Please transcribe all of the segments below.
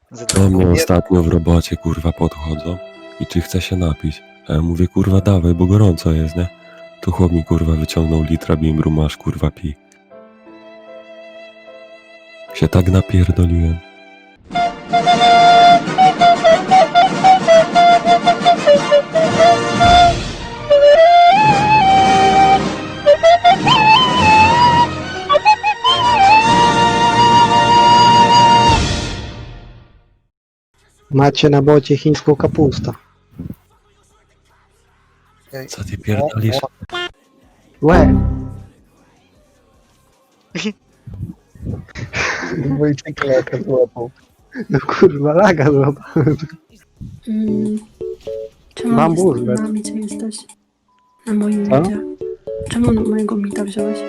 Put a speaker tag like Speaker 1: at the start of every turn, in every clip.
Speaker 1: Do mnie ostatnio w robocie, kurwa, podchodzą i czy chce się napić. A ja mówię, kurwa, dawaj, bo gorąco jest, nie? Tu chłop mi, kurwa, wyciągnął litra bimbru, masz, kurwa, pij. Się tak napierdoliłem.
Speaker 2: Macie na bocie chińską kapustę.
Speaker 1: Co ty pierdolisz?
Speaker 2: Łe!
Speaker 3: Wojciech laka złapał.
Speaker 2: No kurwa, laga złapałem.
Speaker 4: Czemu
Speaker 2: Mam
Speaker 4: jest
Speaker 2: burzę.
Speaker 4: na micie jesteś? Na moim
Speaker 2: Co?
Speaker 4: micie. Czemu mojego mita wziąłeś?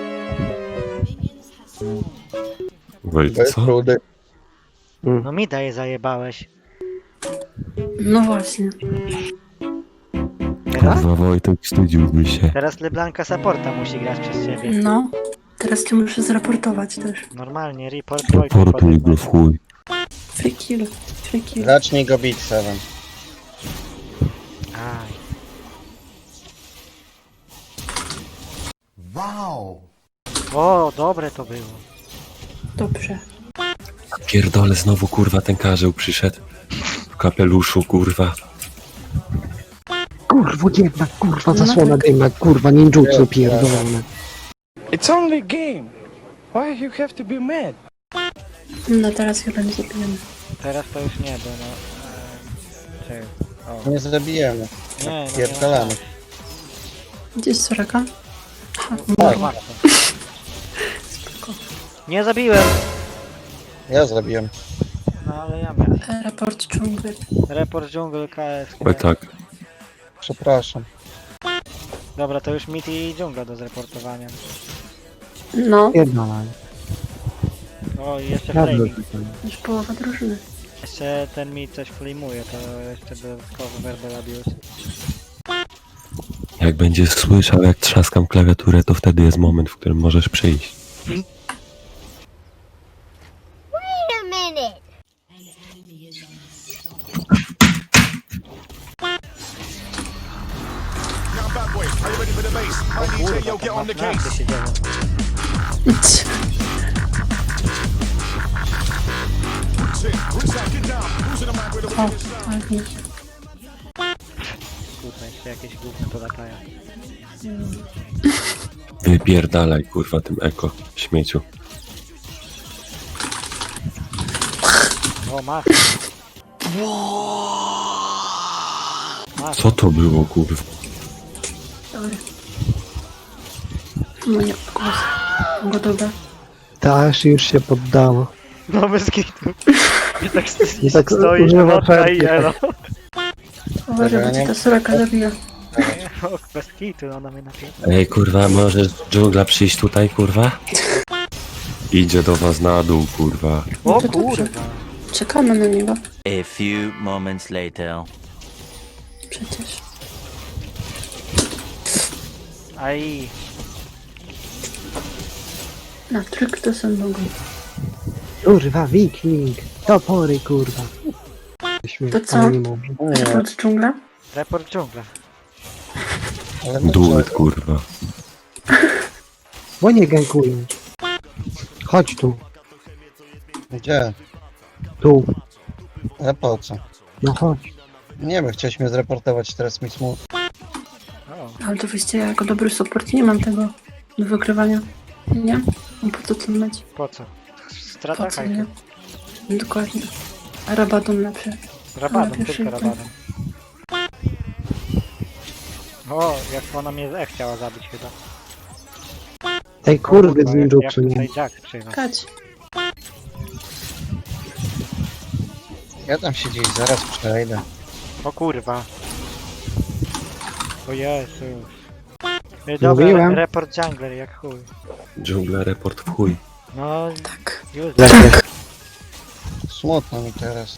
Speaker 1: Wojt,
Speaker 3: Bez
Speaker 1: co?
Speaker 3: rudy.
Speaker 5: No mi daje zajebałeś.
Speaker 4: No właśnie.
Speaker 5: Teraz?
Speaker 1: Kurwa, Wojtek, wstydziłby się.
Speaker 5: Teraz Leblanka supporta musi grać przez ciebie.
Speaker 4: No. Teraz cię muszę zraportować też.
Speaker 5: Normalnie, report dwójkę
Speaker 1: Reportuj go w chuj.
Speaker 4: Free kill. Free kill.
Speaker 3: Zacznij go bić, Seven.
Speaker 5: Aj. O, dobre to było.
Speaker 4: Dobrze.
Speaker 1: Pierdolę, znowu, kurwa, ten karzeł przyszedł. W kapeluszu, kurwa.
Speaker 2: Kurwo jedna, kurwa, zasłona dymna, kurwa, ninjutsu pierdolone.
Speaker 6: It's only a game. Why you have to be mad?
Speaker 4: No teraz chyba nie zabijemy.
Speaker 5: Teraz to już nie, bo no... Czekaj. O.
Speaker 3: Nie zabijemy.
Speaker 5: Nie, no
Speaker 3: Pierdolamy.
Speaker 4: Gdzie jest Soraka? Aha,
Speaker 5: nie,
Speaker 4: umarła.
Speaker 5: łatwo. Nie zabiłem!
Speaker 3: Ja zabiłem.
Speaker 5: No ale ja miałem.
Speaker 4: Raport dżungli.
Speaker 5: Report dżungl KS.
Speaker 1: Oj, tak.
Speaker 3: Przepraszam.
Speaker 5: Dobra, to już mit i dżungla do zreportowania.
Speaker 4: No.
Speaker 2: Pierdolone.
Speaker 5: O, i jeszcze
Speaker 2: Prawda
Speaker 5: flaming.
Speaker 2: tutaj.
Speaker 4: Już połowa drużyny.
Speaker 5: Jeszcze ten mit coś flamuje, to jeszcze dodatkowo verbal abuse.
Speaker 1: Jak będziesz słyszał, jak trzaskam klawiaturę, to wtedy jest moment, w którym możesz przyjść.
Speaker 7: Wait a minute.
Speaker 5: O kurwa, tam naprawdę się działo.
Speaker 4: O, tak nie.
Speaker 5: Kurwa, jeszcze jakieś gówno to latają.
Speaker 1: Wypierdalaj, kurwa, tym eko, śmieciu.
Speaker 5: O, masz. Masz.
Speaker 1: Co to było, kurwa?
Speaker 4: Dobra. No nie, głos. Gotowe.
Speaker 2: Ta aż już się poddała.
Speaker 5: No bez kitu. I tak,
Speaker 2: I tak
Speaker 5: stoi
Speaker 2: używa
Speaker 5: matka i
Speaker 2: perki.
Speaker 5: elo.
Speaker 4: Uważaj, bo cię ta Soraka zabija.
Speaker 5: O, bez kitu, ona mnie napięta.
Speaker 1: Ej, kurwa, możesz dżungla przyjść tutaj, kurwa? Idzie do was na dół, kurwa.
Speaker 5: O
Speaker 4: No to dobrze.
Speaker 5: kurwa.
Speaker 4: Czekamy na niego.
Speaker 8: A few moments later.
Speaker 4: Przecież.
Speaker 5: Aj.
Speaker 4: Na tryk to są mogą.
Speaker 2: Kurwa, wiking. Topory, kurwa.
Speaker 4: To co?
Speaker 2: Ale nie mówię.
Speaker 4: Raport dżungla?
Speaker 5: Report dżungla.
Speaker 3: Ale my
Speaker 1: Duet, kurwa.
Speaker 2: Bo nie gankują. Chodź tu,
Speaker 3: Gdzie?
Speaker 2: tu.
Speaker 3: Ale po co?
Speaker 2: No chodź.
Speaker 3: Nie wiem, chciałeś mnie zreportować, teraz mi smutno.
Speaker 5: O,
Speaker 4: Ale to wyjście, ja jako dobry support nie mam tego do wygrywania. Nie? No po co to mieć?
Speaker 5: po co?
Speaker 4: Po
Speaker 5: Strata
Speaker 4: co, nie?
Speaker 5: hajku.
Speaker 4: Dokładnie. A Rabadon lepszy.
Speaker 5: Rabadon,
Speaker 4: pierwszy
Speaker 5: tylko
Speaker 4: ten.
Speaker 5: rabadon. O, jak ona mnie chciała zabić chyba.
Speaker 2: Tej kurwy z
Speaker 5: Jak
Speaker 2: ninjutsu, nie?
Speaker 5: tutaj Jack przyjechał.
Speaker 4: Kać.
Speaker 3: Ja tam się gdzieś zaraz przejdę.
Speaker 5: O kurwa. O Jezus. Dobra,
Speaker 2: Mówiłem.
Speaker 5: report jungler jak chuj.
Speaker 1: Dżungla, report w chuj.
Speaker 5: No,
Speaker 4: Tak.
Speaker 5: już.
Speaker 3: Smutno mi teraz.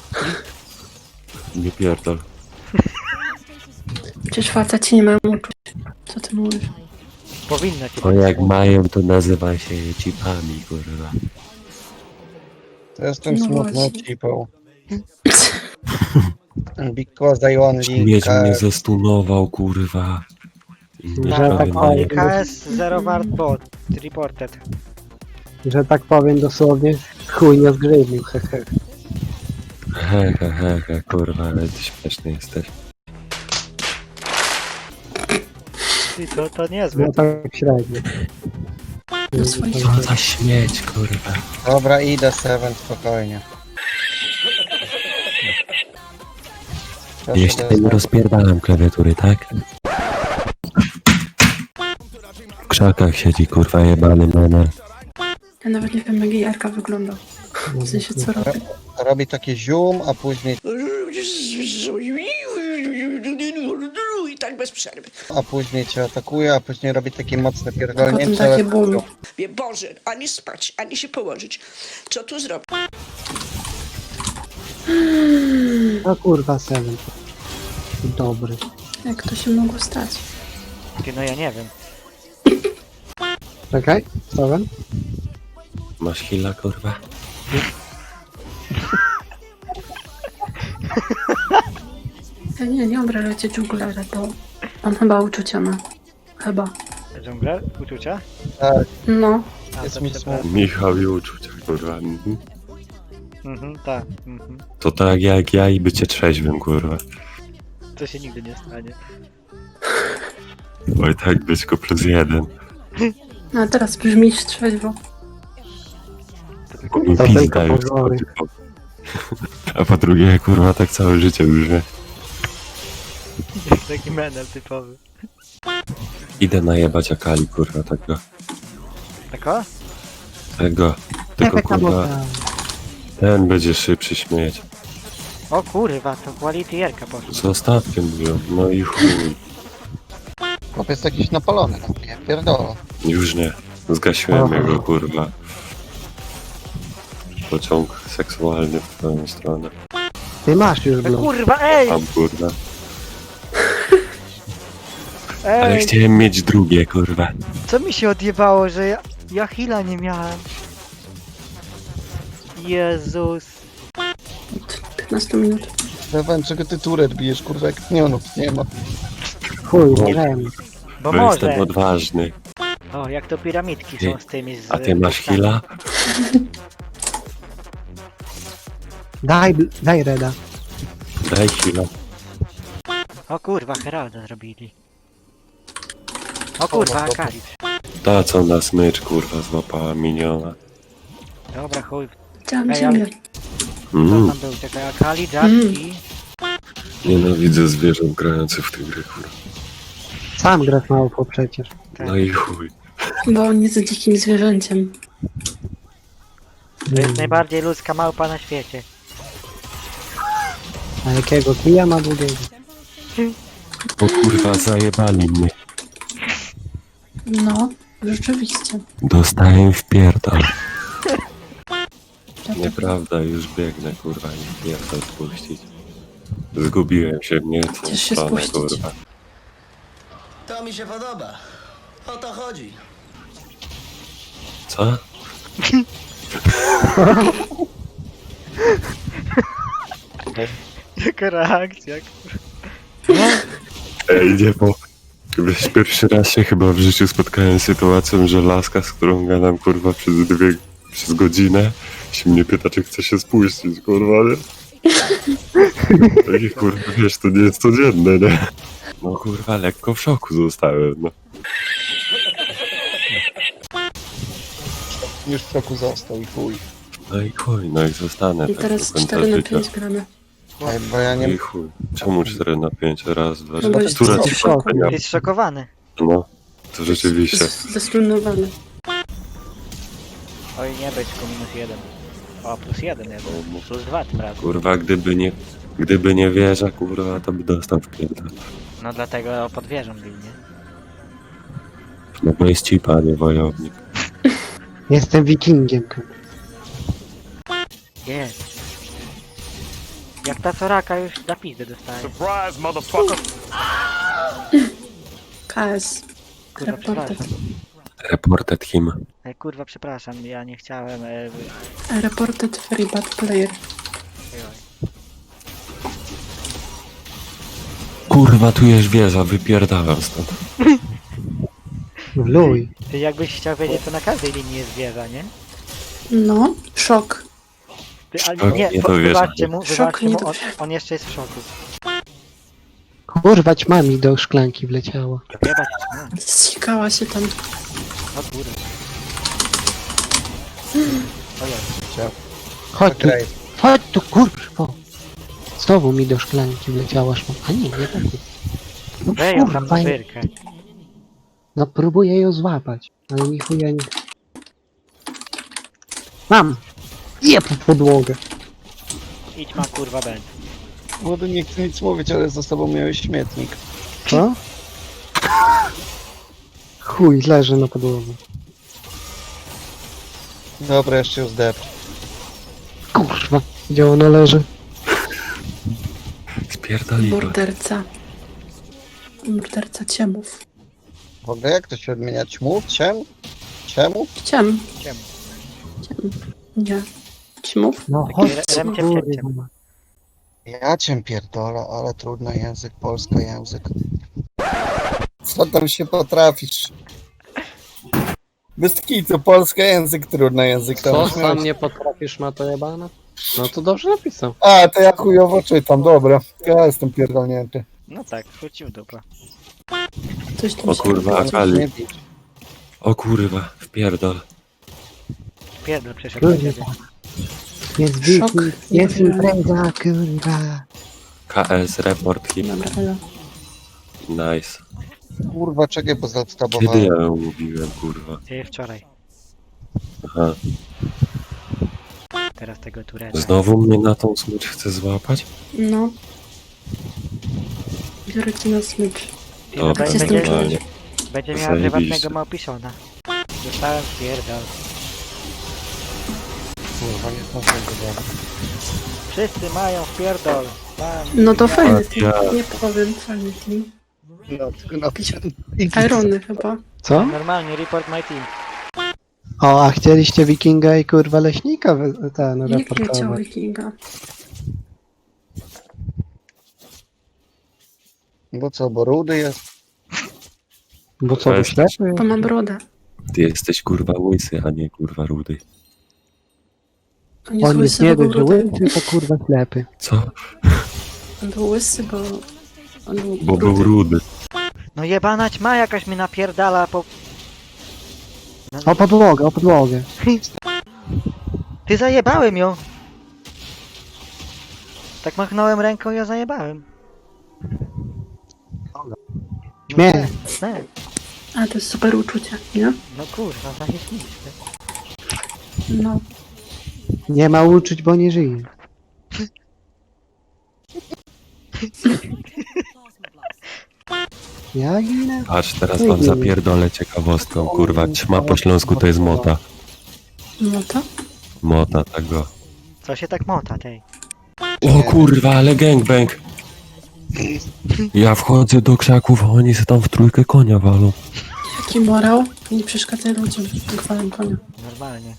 Speaker 1: Nie pierdol.
Speaker 4: Przecież faceci nie mają uczuć. Co ty mówisz?
Speaker 5: Powinno ci
Speaker 1: O,
Speaker 5: być
Speaker 1: jak
Speaker 5: smutno.
Speaker 1: mają, to nazywa się cipami, kurwa.
Speaker 3: To jestem
Speaker 4: No
Speaker 3: smutną
Speaker 4: właśnie.
Speaker 3: cipą. Because I only...
Speaker 1: Śmieć mnie zestunował, kurwa. I mnie
Speaker 2: Że
Speaker 1: prawie
Speaker 2: tak
Speaker 1: na-
Speaker 2: powiem.
Speaker 5: KS 0 wart bot. Reported.
Speaker 2: Że tak powiem dosłownie, chuj nie zgrywił, hehe.
Speaker 1: He, kurwa, ale ty śmieszny jesteś.
Speaker 5: I to niezłe.
Speaker 2: No tak średnio.
Speaker 4: Na swoich
Speaker 1: Co za śmieć, kurwa.
Speaker 3: Dobra, idę Seven, spokojnie. Proszę
Speaker 1: Jeszcze
Speaker 3: do-
Speaker 1: nie rozpierdalam klawiatury, tak? W krzakach siedzi, kurwa, jebany menel.
Speaker 4: Ja nawet nie wiem, jak jej Arka wygląda. W sensie, co robi.
Speaker 3: Robi takie zium, a później...
Speaker 9: I tak bez przerwy.
Speaker 3: A później cię atakuje, a później robi takie mocne
Speaker 4: A potem
Speaker 3: pierdolnięcie.
Speaker 4: takie bum.
Speaker 9: Wie, Boże, ani spać, ani się położyć. Co tu zrobić?
Speaker 2: No kurwa, Seven. Dobry.
Speaker 4: Jak to się mogło stać?
Speaker 5: Ty, no ja nie wiem.
Speaker 2: Czekaj, Seven.
Speaker 1: Masz hila, kurwa?
Speaker 4: Ja nie obrażajcie dżunglera, bo on chyba uczucia ma. Chyba.
Speaker 5: Dżungler? Uczucia?
Speaker 4: No.
Speaker 5: A,
Speaker 3: Jest
Speaker 5: to
Speaker 3: mi
Speaker 5: przepraszam.
Speaker 3: smutno.
Speaker 1: Michał i uczucia, kurwa.
Speaker 5: Tak. Mhm.
Speaker 1: To tak jak ja i bycie trzeźwym, kurwa.
Speaker 5: To się nigdy nie stanie.
Speaker 1: Oj tak, być go +1.
Speaker 4: No a teraz brzmisz trzeźwo.
Speaker 5: To tylko
Speaker 1: Mi
Speaker 2: To
Speaker 1: pizda
Speaker 2: tylko
Speaker 1: już
Speaker 2: pozory.
Speaker 1: schodzi. A po drugie, kurwa, tak całe życie już, nie?
Speaker 5: taki menel typowy.
Speaker 1: Idę najebać Akali, kurwa, tego.
Speaker 5: Tako?
Speaker 1: Tego. Tylko, kurwa, ten będzie szybszy śmieć.
Speaker 5: O kurwa, to quality jerka poszła.
Speaker 1: Zostawcie mówią, no i chuj.
Speaker 3: Chłopiec jakiś napalony na mnie, pierdolę.
Speaker 1: Już nie. Zgasiłem
Speaker 2: Aha.
Speaker 1: jego, kurwa. Pociąg seksualny w twoją stronę.
Speaker 2: Ty masz już blok.
Speaker 5: Kurwa, ej!
Speaker 1: Tam, kurwa. Ale
Speaker 5: Ej!
Speaker 1: chciałem mieć drugie, kurwa.
Speaker 5: Co mi się odjebało, że ja heala nie miałem? Jezus.
Speaker 4: Od 15 minut.
Speaker 3: Seven, czego ty turet bijesz, kurwa, jak minionów nie ma.
Speaker 2: Chuj, nie wiem.
Speaker 5: Bo
Speaker 1: Bo jestem
Speaker 5: może.
Speaker 1: odważny.
Speaker 5: O, jak to piramidki
Speaker 1: Ty-
Speaker 5: są z tymi z...
Speaker 1: A ty masz hila?
Speaker 2: Daj Reda.
Speaker 1: Daj hila.
Speaker 5: O kurwa, Heralda zrobili. O kurwa, Akali.
Speaker 1: Ta co na smycz, kurwa, złapała miniona.
Speaker 5: Dobra, chuj.
Speaker 4: Chciałam
Speaker 5: Ej,
Speaker 4: ziemię.
Speaker 5: Co tam był? Czekaj, Akali, Jack i...
Speaker 1: Nienawidzę zwierząt grających w tę grę, kurwa.
Speaker 2: Sam grasz małpo przecież.
Speaker 1: No i chuj.
Speaker 4: Bo on jest dzikim zwierzęciem.
Speaker 5: To jest najbardziej ludzka małpa na świecie.
Speaker 2: A jakiego kija ma długiego?
Speaker 1: O kurwa, zajebali mnie.
Speaker 4: No, rzeczywiście.
Speaker 1: Dostałem w pierdol. Nieprawda, już biegnę, kurwa, nie pierdol spuścić. Zgubiłem się w nie tą
Speaker 4: Chcesz się
Speaker 1: stronę,
Speaker 4: spuścić?
Speaker 1: kurwa.
Speaker 10: To mi się podoba. O to chodzi.
Speaker 1: Co?
Speaker 5: Jaka reakcja,
Speaker 1: Ej, nie, bo wiesz, pierwszy raz się chyba w życiu spotkałem z sytuacją, że laska, z którą gadam, kurwa, przez godzinę, się mnie pyta, czy chce się spuścić, kurwa, nie? Takie, kurwa, wiesz, to nie jest codzienne, nie? No, kurwa, lekko w szoku zostałem, no.
Speaker 3: Już w szoku został i chuj.
Speaker 1: No i chuj, no i zostanę
Speaker 4: I
Speaker 1: tak
Speaker 4: teraz
Speaker 1: do końca
Speaker 4: 4 na
Speaker 1: życia.
Speaker 4: 5 gramy.
Speaker 3: Ej, bo ja
Speaker 1: No
Speaker 3: nie...
Speaker 1: i chuj. Czemu 4 na 5? Raz, dwa,
Speaker 4: No bo
Speaker 1: trzy.
Speaker 4: jest
Speaker 1: Która
Speaker 4: w
Speaker 1: ci
Speaker 4: szoku.
Speaker 1: szokania?
Speaker 5: Jest szokowany.
Speaker 1: No, to rzeczywiście.
Speaker 4: Zestronowany.
Speaker 5: Oj, nie byczku, -1. O, +1 jest. +2 tym razem.
Speaker 1: Kurwa, gdyby nie wieża, kurwa, to by dostał w pierdol.
Speaker 5: No dlatego pod wieżą był, nie?
Speaker 1: No bo jest cipa, nie wojownik.
Speaker 2: Jestem wikingiem.
Speaker 5: Jest. Jak ta Soraka już na pizdę dostaje.
Speaker 6: Surprise, motherfucker!
Speaker 4: KS.
Speaker 5: Kurwa,
Speaker 4: Reported.
Speaker 5: przepraszam.
Speaker 1: Reported him.
Speaker 5: Kurwa, przepraszam, ja nie chciałem...
Speaker 4: Reported free bad player.
Speaker 1: kurwa, tu jest wieża, wypierdalam stąd.
Speaker 2: Luj.
Speaker 5: Ty jakbyś chciał wiedzieć, to na każdej linii jest wieża, nie?
Speaker 4: No, szok.
Speaker 5: Ty, ale
Speaker 1: Szok,
Speaker 5: nie,
Speaker 1: nie to wieża.
Speaker 5: wybaczcie mu,
Speaker 4: Szok,
Speaker 5: wybaczcie
Speaker 4: nie
Speaker 5: mu,
Speaker 4: to
Speaker 5: on jeszcze jest w szoku.
Speaker 2: Kurwa, ćmami do szklanki wleciało.
Speaker 5: Jebać, no,
Speaker 4: Zsikała się tam.
Speaker 5: o góry. Ojej,
Speaker 2: Chodź tu,
Speaker 3: Okej.
Speaker 2: chodź tu, kurwa. Znowu mi do szklanki wleciała szma. A nie tak. No
Speaker 5: weź ją tam
Speaker 2: kurwa,
Speaker 5: na wyrkę.
Speaker 2: no próbuję ją złapać, ale ni chuja nie... Mam! Jeb w podłogę.
Speaker 5: Idź ma kurwa będ.
Speaker 3: Młody nie chcę nic mówić, ale za sobą miałeś śmietnik.
Speaker 2: Co? Chuj, leży na podłodze.
Speaker 3: Dobra, jeszcze ją zdepcz.
Speaker 2: Kurwa, gdzie ona leży?
Speaker 1: Spierdoliła.
Speaker 4: Morderca. Morderca ciemów.
Speaker 3: W ogóle jak to się odmienia? Ćmów? Czemu?
Speaker 4: Ciem.
Speaker 5: Ciem.
Speaker 4: Ciem. Nie. Ćmów?
Speaker 2: No
Speaker 5: Taki
Speaker 2: chodź,
Speaker 5: rem- ciem, ciem, ciem.
Speaker 2: kurwa.
Speaker 3: Ja cię pierdolę, ale trudny język, polski język. Co tam się potrafisz? Bez kitu, polski język, trudny język. Tam
Speaker 11: Co
Speaker 3: śmiałeś.
Speaker 11: sam nie potrafisz, ma to jebana? No to dobrze napisał.
Speaker 3: A, to ja chujowo czytam, dobra. Ja jestem pierdolnięty.
Speaker 5: No tak, wrócił dupa.
Speaker 4: Coś tam
Speaker 1: O
Speaker 4: się
Speaker 1: kurwa,
Speaker 4: robi.
Speaker 1: Akali. O kurwa, wpierdol.
Speaker 5: Pierdol przeszedł do ciebie.
Speaker 2: Kurwa. Jest
Speaker 4: Szok.
Speaker 2: wiki, jest impreza, kurwa.
Speaker 1: KS, report, hip.
Speaker 4: Dobra, elo.
Speaker 1: Nice.
Speaker 3: Kurwa, czekaj, bo
Speaker 1: Kiedy
Speaker 3: zadstabowałem.
Speaker 1: ja ją mówiłem, kurwa?
Speaker 5: Ty wczoraj.
Speaker 1: Aha.
Speaker 5: Teraz tego Tureta.
Speaker 1: Znowu mnie na tą smycz chce złapać?
Speaker 4: No. Biorę cię na smycz.
Speaker 1: Dobra,
Speaker 4: Gdzie
Speaker 5: będzie,
Speaker 1: normalnie.
Speaker 5: będzie miała
Speaker 1: Zajebiście.
Speaker 5: prywatnego małpiszona. Dostałem pierdol.
Speaker 3: Kurwa, nie zdążyłem go zabrać.
Speaker 5: Wszyscy mają pierdol. Mam.
Speaker 4: No to fajny team.
Speaker 1: Ja.
Speaker 4: Nie powiem, fajny team.
Speaker 3: No, tylko napisałem.
Speaker 4: Irony chyba.
Speaker 2: Co?
Speaker 5: Normalnie, report my team.
Speaker 2: O, a chcieliście wikinga i kurwa leśnika ten
Speaker 4: Nikt nie chciał
Speaker 2: reportować.
Speaker 4: wikinga.
Speaker 3: Bo co, bo rudy jest?
Speaker 2: Bo co,
Speaker 1: Weź.
Speaker 2: wyślepy?
Speaker 4: Bo ma brodę.
Speaker 1: Ty jesteś kurwa łysy, a nie kurwa rudy.
Speaker 4: On jest
Speaker 2: On jest
Speaker 4: łysy,
Speaker 2: nie
Speaker 4: bo był
Speaker 2: dość, że
Speaker 4: rudy.
Speaker 2: łysy, to kurwa ślepy.
Speaker 1: Co?
Speaker 4: On był łysy, bo... On był
Speaker 1: Bo był rudy.
Speaker 5: No jebana ćma jakaś mi napierdala po...
Speaker 2: O podłogę, o podłogę.
Speaker 5: Ty zajebałem ją! Tak machnąłem ręką i ja zajebałem.
Speaker 2: Śmiech.
Speaker 5: Nie,
Speaker 4: A, to jest super uczucie, nie?
Speaker 5: no kurwa, zajebiste.
Speaker 4: No.
Speaker 2: Nie ma uczuć, bo nie żyje. Ja ginę.
Speaker 1: Patrz, teraz wam zapierdolę ciekawostką, kurwa. Ćma po śląsku to jest mota.
Speaker 4: No to?
Speaker 1: Mota tego.
Speaker 5: Co się tak mota, tej?
Speaker 1: O kurwa, ale gangbang! Ja wchodzę do krzaków, a oni se tam w trójkę konia walą.
Speaker 4: Jaki morał? Nie przeszkadzaj ludziom, chwalę konia.
Speaker 5: Normalnie.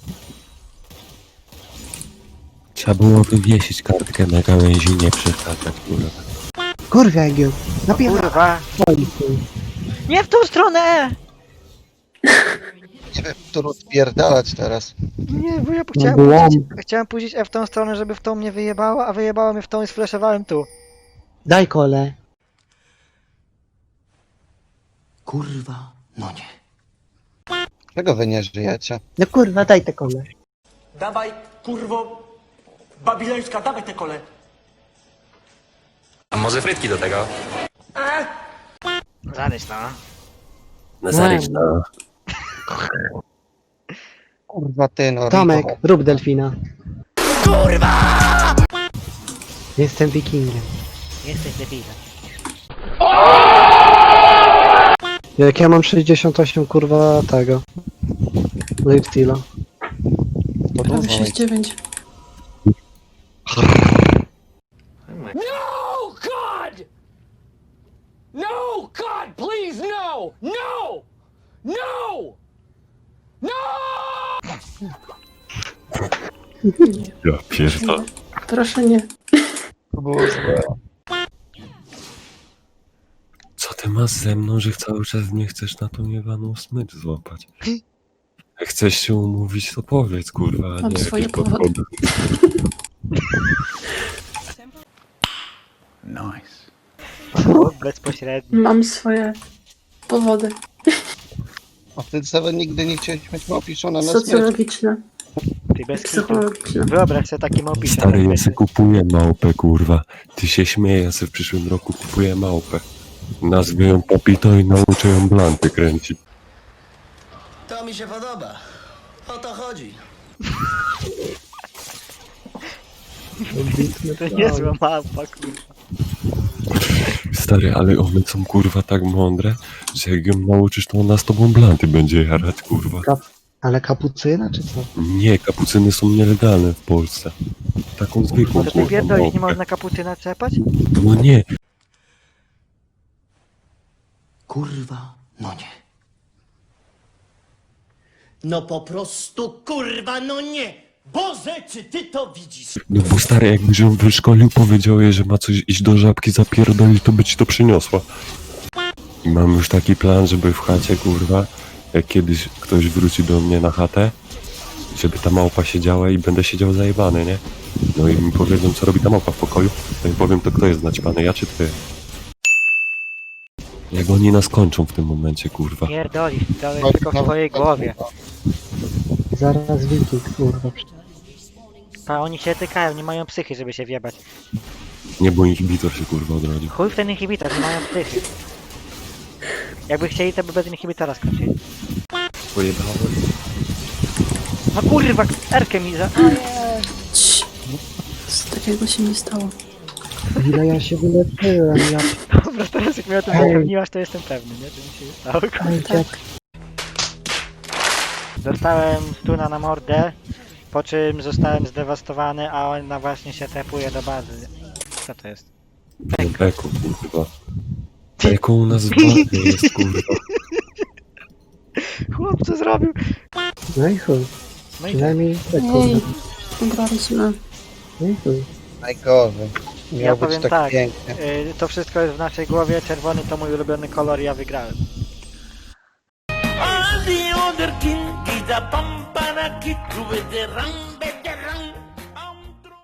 Speaker 1: Trzeba było wywiesić kartkę na gałęzi, nie przeszkadzać, kurwa.
Speaker 2: Kurwa, jak ją. Napierdolę.
Speaker 5: Kurwa! Nie w tą stronę!
Speaker 3: Nie wiem, którą spierdalać teraz.
Speaker 5: Nie, bo ja chciałem puścić F w tą stronę, żeby w tą mnie wyjebało, a wyjebało mnie w tą i sfleszowałem tu.
Speaker 2: Daj kole.
Speaker 10: Kurwa, no nie.
Speaker 3: Czego wy nie żyjecie?
Speaker 2: No kurwa, daj te kole.
Speaker 10: Dawaj, kurwo, babilońska, dawaj te kole.
Speaker 12: A może frytki do tego?
Speaker 5: Zaryś no.
Speaker 1: Na zaryczna.
Speaker 3: Kurwa ty, no.
Speaker 2: Tomek,
Speaker 3: Rico.
Speaker 2: rób delfina. Kurwa! Jestem wikingiem.
Speaker 5: Jesteś debilem.
Speaker 2: Jak ja mam 68 kurwa tego. Lifesteala.
Speaker 3: To
Speaker 4: Prawie
Speaker 3: dużo.
Speaker 4: 6-9.
Speaker 6: No, God! No, God, please, no! No! No! No!
Speaker 1: Ja pierdolę.
Speaker 4: Proszę nie.
Speaker 3: To było złe.
Speaker 1: ty masz ze mną, że cały czas mnie chcesz na tą jebaną smycz złapać? Jak chcesz się umówić, to powiedz, kurwa, a
Speaker 4: Mam
Speaker 1: nie
Speaker 4: swoje
Speaker 1: jakieś
Speaker 4: powody.
Speaker 1: podchody.
Speaker 5: Bezpośrednio.
Speaker 4: Mam swoje powody
Speaker 3: A ty sobie nigdy nie chciałeś mieć opiszone na smycz.
Speaker 4: socjologiczne,
Speaker 5: Ty bez kitu.
Speaker 4: psychologiczne.
Speaker 5: Wyobraź sobie taki małpi.
Speaker 1: Stary, ja se kupuję małpę, kurwa. Ty się śmieję, ja se w przyszłym roku kupuję małpę. Nazwę ją Popito i nauczę ją blanty kręcić.
Speaker 10: To mi się podoba. O to chodzi.
Speaker 5: To niezła małpa, kurwa.
Speaker 1: Stary, ale one są, kurwa, tak mądre, że jak ją nauczysz, to ona z tobą blanty będzie jarać, kurwa.
Speaker 2: Ale kapucyna czy co?
Speaker 1: Nie, kapucyny są nielegalne w Polsce. Taką zwykłą,
Speaker 5: To ty
Speaker 1: kurwa,
Speaker 5: pierdolisz, nie
Speaker 1: małpę.
Speaker 5: można kapucyna czepać?
Speaker 1: No nie,
Speaker 10: Kurwa, no nie. No po prostu kurwa, no nie. Boże, czy ty to widzisz?
Speaker 1: no bo stary, jakbyś ją wyszkolił, powiedział jej, że ma coś iść do żabki zapierdolić, to by ci to przyniosła. I mam już taki plan, żeby w chacie, kurwa, jak kiedyś ktoś wróci do mnie na chatę, żeby ta małpa siedziała i będę siedział zajebany, nie? No i mi powiedzą, co robi ta małpa w pokoju, to im powiem, to kto jest naćpany, ja czy ty? Jak oni nas kończą w tym momencie, kurwa.
Speaker 5: Pierdolisz, to jest tylko w twojej głowie.
Speaker 2: Zaraz wilki, kurwa.
Speaker 5: A oni się tykają, nie mają psychy, żeby się wjebać.
Speaker 1: Nie, bo inhibitor się, kurwa, odrodził.
Speaker 5: Chuj w ten inhibitor, nie mają psychy. Jakby chcieli, to by bez inhibitora skończyli.
Speaker 1: Pojebałem.
Speaker 5: No kurwa, Erkę mi za...
Speaker 4: Cii. Nic takiego się nie stało.
Speaker 2: Ile ja się wyleczyłem, ja...
Speaker 5: Dobra, teraz jak mnie o tym zapewniłaś, to jestem pewny, nie? To mi się nie stało.
Speaker 4: Tak.
Speaker 5: Dostałem stuna na mordę, po czym zostałem zdewastowany, a ona właśnie się tepuje do bazy. Co to jest?
Speaker 1: Eko, kurwa. Eko u nas w bazie jest, kurwa.
Speaker 5: Chłop, co zrobił?
Speaker 2: No i chuj.
Speaker 5: No i
Speaker 2: Przynajmniej tak,
Speaker 4: Ej,
Speaker 2: kurwa.
Speaker 4: ugraliśmy.
Speaker 2: No i chuj.
Speaker 3: Najgorzej.
Speaker 5: ja
Speaker 3: Miał być
Speaker 5: powiem
Speaker 3: tak
Speaker 5: tak,
Speaker 3: pięknie.
Speaker 5: to wszystko jest w naszej głowie, czerwony to mój ulubiony kolor, ja wygrałem.
Speaker 8: The other king is a pampana kid with the rang.